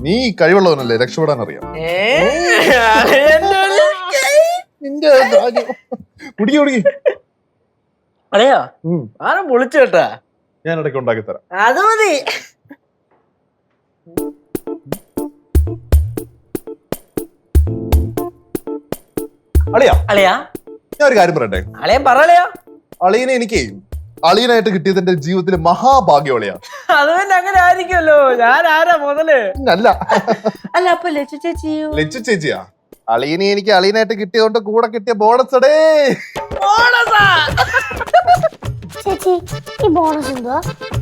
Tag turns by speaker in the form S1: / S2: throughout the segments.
S1: നീ കഴിവുള്ളവനല്ലേ, രക്ഷപ്പെടാൻ അറിയാം. നിന്റെ കുടിക്കി കുടിക്കി.
S2: അതെയോ? ആരും പൊളിച്ചു കേട്ടാ.
S1: ഞാൻ ഇടയ്ക്ക് ഉണ്ടാക്കി തരാം.
S2: അത് മതി.
S1: അളിയാ
S2: അളിയാ
S1: ഞാൻ ഒരു കാര്യം പറയട്ടെ.
S2: അളിയൻ പറയലയോ?
S1: അളിയനെ എനിക്ക് അളിയനായിട്ട് കിട്ടിയത് എന്റെ ജീവിതത്തിലെ മഹാഭാഗ്യം അളിയാ.
S2: അത് തന്നെ അങ്ങനെ ആയിരിക്കുമല്ലോ. ഞാൻ ആരാ മുതല്?
S1: അല്ല
S2: അല്ല അപ്പൊ ലച്ചു ചേച്ചിയോ?
S1: ലച്ചു ചേച്ചിയാ. അളിയനെ എനിക്ക് അളിയനായിട്ട് കിട്ടിയതുകൊണ്ട് കൂടെ കിട്ടിയ ബോണസ് അടേ.
S2: ബോണസാ?
S3: ചേച്ചി ഈ ബോണസ് എന്തുവാ?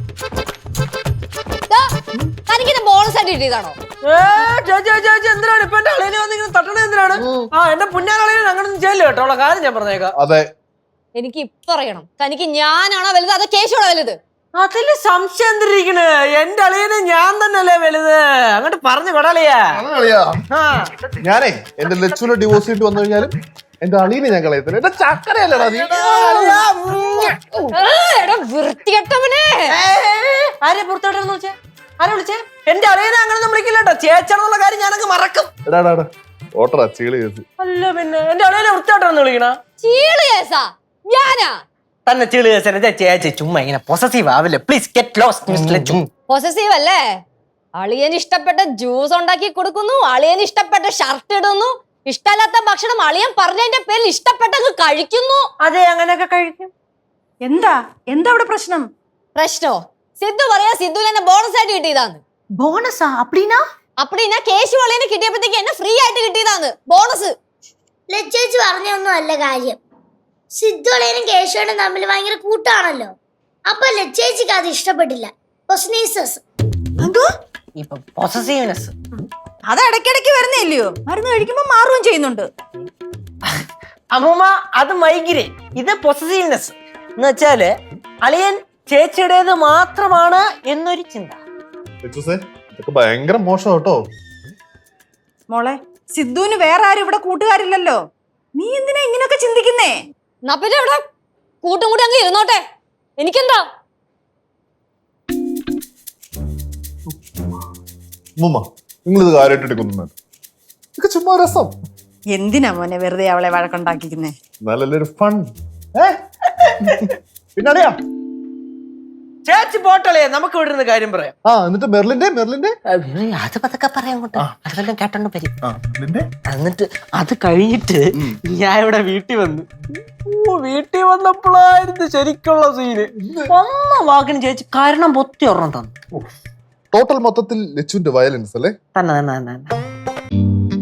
S3: തനിക്കിത് ബോണസ് ആയിട്ട് കിട്ടിയതാണോ?
S2: ചേച്ചി എന്തിനാണ് ഇപ്പൊ എന്റെ അളിയനെ വന്നിങ്ങനെ തട്ടണത്? എന്തിനാണ്? എന്റെ പുന്നാളിയനെ അങ്ങനൊന്നും ചെയ്യല്ലോ കേട്ടോ. ഉള്ള കാര്യം ഞാൻ പറഞ്ഞേക്കാം.
S1: അതെ,
S3: എനിക്ക് ഇപ്പൊ അറിയണം, തനിക്ക് ഞാനാണോ വലുത് അതോ കേശുവാണോ വലുത്?
S2: അതില് സംശയം എന്തിരിക്കണ്? എന്റെ അളിയനെ ഞാൻ തന്നെയല്ലേ വലുത്. അങ്ങോട്ട് പറഞ്ഞു കൊടാളിയാ.
S1: ഞാനേ എന്റെ ലച്ചുവിനെ ഡിവോഴ്സ് ചെയ്തിട്ട് വന്നു കഴിഞ്ഞാലും എന്റെ അളിയനെ ഞാൻ കളയത്തില്ല. എന്റെ ചക്കരയല്ലടാ നീ.
S3: വൃത്തികെട്ടവനെ.
S2: ആരെ പുറത്തോട്ടെന്ന് വെച്ചേ? ആരെ വിളിച്ചേ? എന്റെ അളിയനെ അങ്ങനെ വിളിക്കില്ല കേട്ടോ. ചേച്ചാണെന്നുള്ള കാര്യം ഞാനങ്ങ് മറക്കും.
S1: ഓട്ടറാ ചീളി കേസ്.
S2: അല്ല പിന്നെ എന്റെ അളിയനെ വൃത്തിയോട്ടെന്ന് വിളിക്കണ?
S3: ചീള് കേസാ? ഞാനാ
S2: തന്നെ ചീള് കേസനെ ചേച്ചി ചുമ്മാ ഇങ്ങനെ പൊസസീവ് ആവില്ലേ. Please get lost miss Lachu.
S3: Possessive അല്ലേ? അളിയന് ഇഷ്ടപ്പെട്ട ജ്യൂസ് ഉണ്ടാക്കി കൊടുക്കുന്നു, അളിയന് ഇഷ്ടപ്പെട്ട ഷർട്ട് ഇടുന്നു, ഇഷ്ടമല്ലാത്ത ഭക്ഷണം അളിയൻ പറഞ്ഞതിന്റെ പേരിൽ ഇഷ്ടപ്പെട്ടങ്ങ് കഴിക്കുന്നു.
S2: അതെ, അങ്ങനെയൊക്കെ കഴിക്കും.
S4: എന്താ അവിടെ പ്രശ്നം?
S3: പ്രശ്നോ? സിദ്ധു പറയാ സിദ്ധുവിന് എന്നെ ബോണസ് ആയിട്ട് കിട്ടിയതാന്ന്.
S4: ബോണസാ? അപ്പടിനാ
S3: കേശു അളിയന് കിട്ടിയപ്പോഴത്തേക്ക് എന്നെ ഫ്രീ ആയിട്ട് കിട്ടിയതാന്ന് ബോണസ്.
S5: ലച്ചേച്ചി പറഞ്ഞൊന്നും അല്ല കാര്യം. സിദ്ധു അളിയനും കേശവനും തമ്മിൽ ഭയങ്കര കൂട്ടാണല്ലോ. അപ്പൊ ലച്ചേച്ചിക്ക് അത് ഇഷ്ടപ്പെട്ടില്ല.
S4: അത് ഇടയ്ക്കിടയ്ക്ക് വരുന്നില്ലയോ? മരുന്ന് കഴിക്കുമ്പോ മാറുകയും ചെയ്യുന്നുണ്ട്.
S2: അമ്മൂമ്മ, അത് മൈഗ്രേൻ, ഇത് പൊസസീവ്നെസ് എന്ന് വെച്ചാല് അളിയൻ ചേച്ചിയുടേത് മാത്രമാണ് എന്നൊരു ചിന്ത.
S1: ഇതൊക്കെ ഭയങ്കര മോശം കേട്ടോ.
S4: മോളെ, സിദ്ധുവിന് വേറെ ആരും ഇവിടെ കൂട്ടുകാരില്ലല്ലോ. നീ എന്തിനാ ഇങ്ങനെയൊക്കെ ചിന്തിക്കുന്നേ?
S3: എന്നാ പിന്നെ ഇവിടെ കൂട്ടും കൂടി അങ്ങ് ഇരുന്നോട്ടെ, എനിക്കെന്താ?
S1: നിങ്ങളിത് കാര്യമായിട്ട് എടുക്കുന്നു. ഇതൊക്കെ ചുമ്മാ രസം.
S4: എന്തിനാ മോനെ വെറുതെ അവളെ വഴക്കുണ്ടാക്കിക്കുന്നേ?
S1: നല്ലൊരു ഫൺ. പിന്നറിയാ
S2: ചേച്ചി പോട്ടളേ, നമുക്ക് ഇവിടെ ഇരുന്ന് കാര്യം പറയാം.
S1: എന്നിട്ട് മെർലിന്റെ
S2: അത് പതൊക്കെ പറയാം. അതെല്ലാം കേട്ടോണ്ട് വരും. എന്നിട്ട് അത് കഴിഞ്ഞിട്ട് ഞാൻ ഇവിടെ വീട്ടിൽ വന്നു. വീട്ടിൽ വന്നപ്പോഴായിരുന്നു ശരിക്കുള്ള സീന്. ഒന്ന വാക്കിന് ചേച്ചി കാരണം പൊത്തി ഒരെണ്ണം തന്നു.
S1: ടോട്ടൽ മൊത്തത്തിൽ ലച്ചുവിന്റെ വയലൻസ് അല്ലേ?
S2: തന്നെ